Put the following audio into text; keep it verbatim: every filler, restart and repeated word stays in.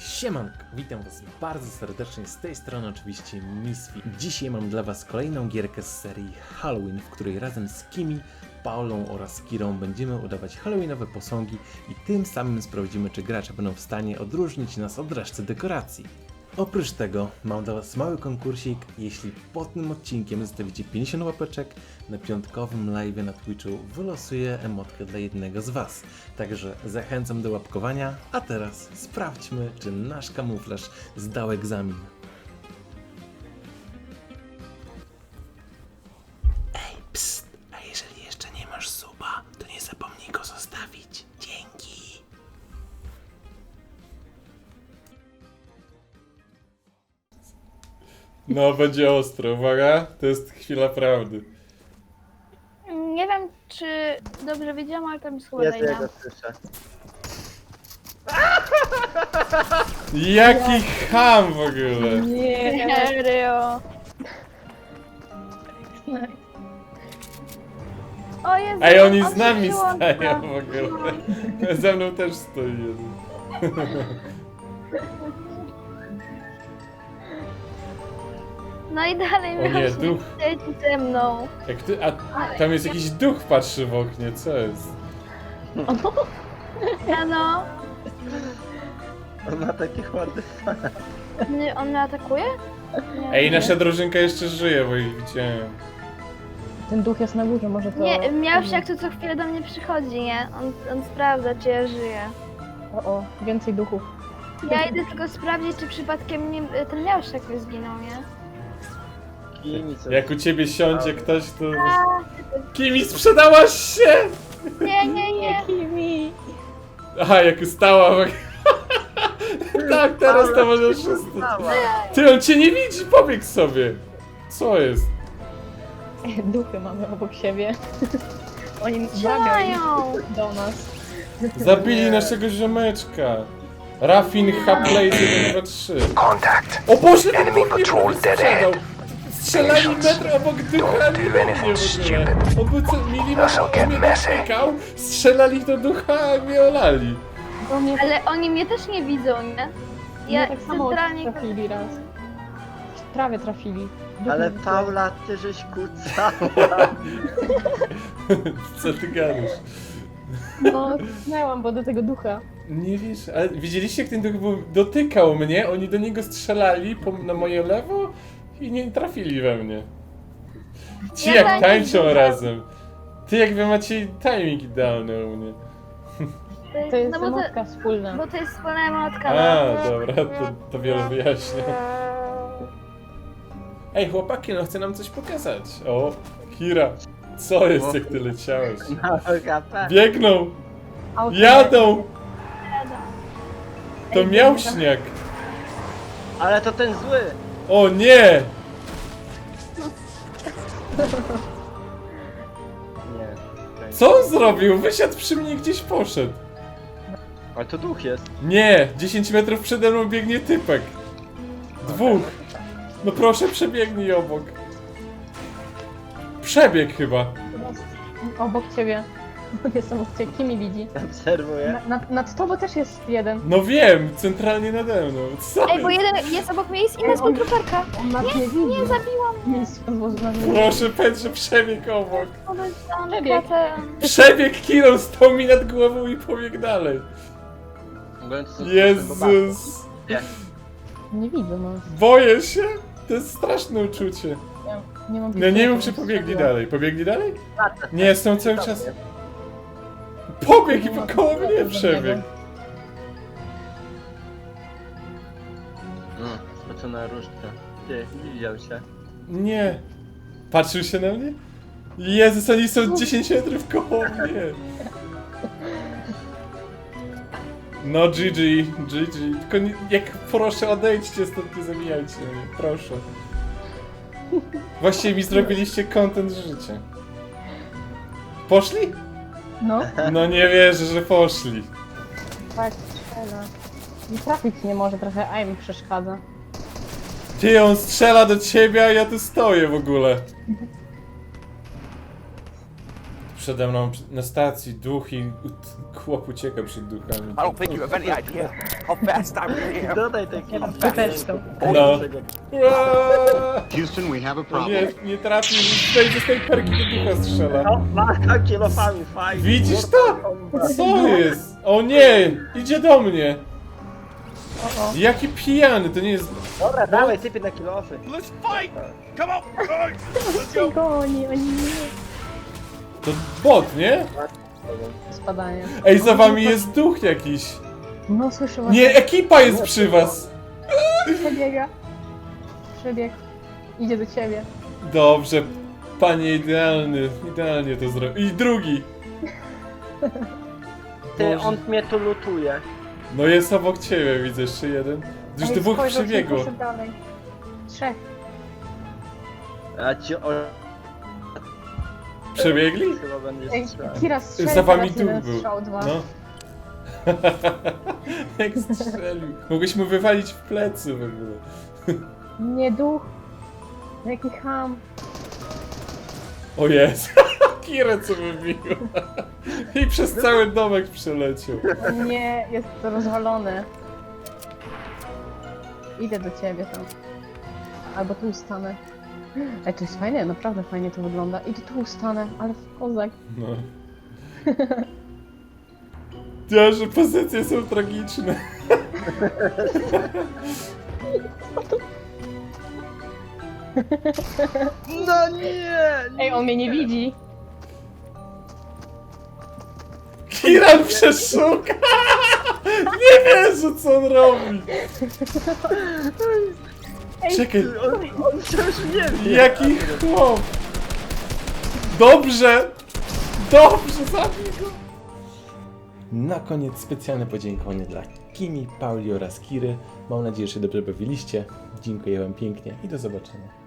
Siemanko, witam was bardzo serdecznie, z tej strony oczywiście Misfi. Dzisiaj mam dla was kolejną gierkę z serii Halloween, w której razem z Kimi, Paulą oraz Kirą będziemy udawać halloweenowe posągi i tym samym sprawdzimy, czy gracze będą w stanie odróżnić nas od reszty dekoracji. Oprócz tego mam dla was mały konkursik. Jeśli pod tym odcinkiem zostawicie pięćdziesiąt łapeczek, na piątkowym live na Twitchu wylosuję emotkę dla jednego z was. Także zachęcam do łapkowania, a teraz sprawdźmy, czy nasz kamuflaż zdał egzamin. Ej, psst, a jeżeli jeszcze nie masz suba, to nie zapomnij go zostawić. Dzięki. No, będzie ostro, uwaga, to jest chwila prawdy. Nie wiem, czy dobrze wiedziałam, ale tam jest chyba Jest Dajna. jego słyszę. Jaki ham w ogóle! Nie, serio. O Jezu, Ej, oni on z się nami przyłącza. stają w ogóle. Ze mną też stoi jeden. No i dalej O nie, miał duch. siedzieć ze mną. Jak ty, a tam jest jakiś duch patrzy w oknie, co jest? Ja no, On ma taki ładny fan. nie, on mnie atakuje? Nie, Ej, nasza drużynka jeszcze żyje, bo ich widziałem. Ten duch jest na górze, może to... Nie, miałś jak to co chwilę do mnie przychodzi, nie? On, on sprawdza, czy ja żyję. O, o, więcej duchów. Ja idę tylko sprawdzić, czy przypadkiem nie, ten miałszek nie zginął, nie? Kimi, co Jak u ciebie siądzie ktoś, to... Kimi, sprzedałaś się! Nie, nie, nie. Kimi! Aha, jak ustała w... Tak, teraz to może wszystko. Stała. Ty, on cię nie widzi, pobiegł sobie. Co jest? Duchy mamy obok siebie. Oni Strzelają. do nas. Zabili Nie. naszego ziomeczka. Raffin Hapley jeden dwa trzy. O Boże, ten duch mnie sprzedał. Strzelali metr obok ducha, nie we mnie w ogóle. On był co milimetr, on mnie dotykał, strzelali do ducha, a mnie olali. Do mnie Ale oni mnie też nie widzą, nie? ja Ja tak samo centralnie... trafili raz. Prawie trafili. Duchy Ale były. Paula, ty żeś kucała. Co ty gadasz? No, znałam, bo do tego ducha. Nie wiesz, ale widzieliście jak ten duch był, dotykał mnie, oni do niego strzelali po, na moje lewo i nie trafili we mnie. Ci Ja jak tańczę tańczą ducha. razem. Ty jak wy macie timing idealny u mnie. To jest no bo to, emotka wspólna. bo to jest wspólna emotka. A, no. dobra, to, to wiele wyjaśnia. Ej, chłopaki, no chcę nam coś pokazać. O, Kira, co jest jak ty leciałeś? Na H P. Biegną, Auto- jadą, to Ej, miał biegną. śnieg. Ale to ten zły. O nie! Nie. okej. Co on zrobił? Wysiadł przy mnie i gdzieś poszedł. Ale to duch jest. Nie, dziesięć metrów przede mną biegnie typek. Dwóch. No proszę, przebiegnij obok. Przebieg chyba. Obok ciebie. Jest obok ciebie. Kimi widzi. Obserwuję. Na, nad, nad tobą też jest jeden. No wiem, centralnie nade mną. Co Ej, bo jest? jeden jest obok mnie, jest inna Ej, on- skutruperka. On nas nie widzi. Nie, zabiłam. Miejsce złożone. Proszę, Petrze, przebieg obok. On jest on Przebieg. pracę. Przebieg Kiro, stał mi nad głową i pobiegł dalej. Jezus. Nie widzę, no. Boję się. To jest straszne uczucie. Ja nie mam No nie poczucia, wiem, czy że pobiegli strzeliłam. dalej. Pobiegli dalej? Nie, są cały czas... Pobiegł i koło mnie przebiegł. Mm, spocona różdżka. Ty, nie widział się. Nie. Patrzył się na mnie? Jezus, oni są dziesięć metrów koło mnie. No G G, G G. Tylko nie, jak proszę odejdźcie stąd, nie zabijajcie mnie, proszę. Właściwie mi zrobiliście content życia. Poszli? No, No nie wierzę, że poszli. tak, strzela. I trafić nie może, trochę aim przeszkadza. Ty, on strzela do ciebie, a ja tu stoję w ogóle. przede mną na stacji duch i chłop ucieka przed duchami. I don't think you have any idea how fast I'm here. Dodaj taki... Ty też to. No. Ua! Houston, we have a No problem. nie, nie trafił, z tej, z tej perki do ducha strzela. No, ma kielofami, fajnie. Widzisz to? Co jest? O nie! Idzie do mnie! Jaki pijany, to nie jest... Dobra, dawaj, typy na kilofy. Let's fight! Come on! Cię goni, oni nie. To bot, nie? Spadanie. Ej, za wami jest duch jakiś. No słyszę Nie, ekipa jest przy was. Przebiega. Przebieg. Idzie do ciebie. Dobrze, panie idealny, idealnie to zrobił. I drugi. Ty, Boże. on mnie tu lutuje. No jest obok ciebie, widzę jeszcze jeden. Już Ej, dwóch spojrzał się i przebiegło. poszedł dalej. Trzech. A ci o... Przebiegli? chyba będzie Ej, strzelał. Kira strzelił. Za wami teraz jeden duch był. strzał, dwa. No. Jak strzelił. Mogłeś mu wywalić w plecy w ogóle. Nie duch. Jaki ham. O jest. Kirę co wybiło. I przez cały domek przeleciał. O nie, jest to rozwalone. Idę do ciebie tam. Albo tu stanę. Ej, to jest fajne, naprawdę fajnie to wygląda. Idę tu stanę, ale w kozak. No. Ja, że pozycje są tragiczne. No nie! Ej, on mnie nie widzi. Kiran przeszuka! Nie wierzę co on robi! Ej, Czekaj, On, on wciąż nie wie. jaki chłop! Dobrze! Dobrze, zabij go! Na koniec specjalne podziękowanie dla Kimi, Pauli oraz Kiry. Mam nadzieję, że się dobrze bawiliście. Dziękuję wam pięknie i do zobaczenia.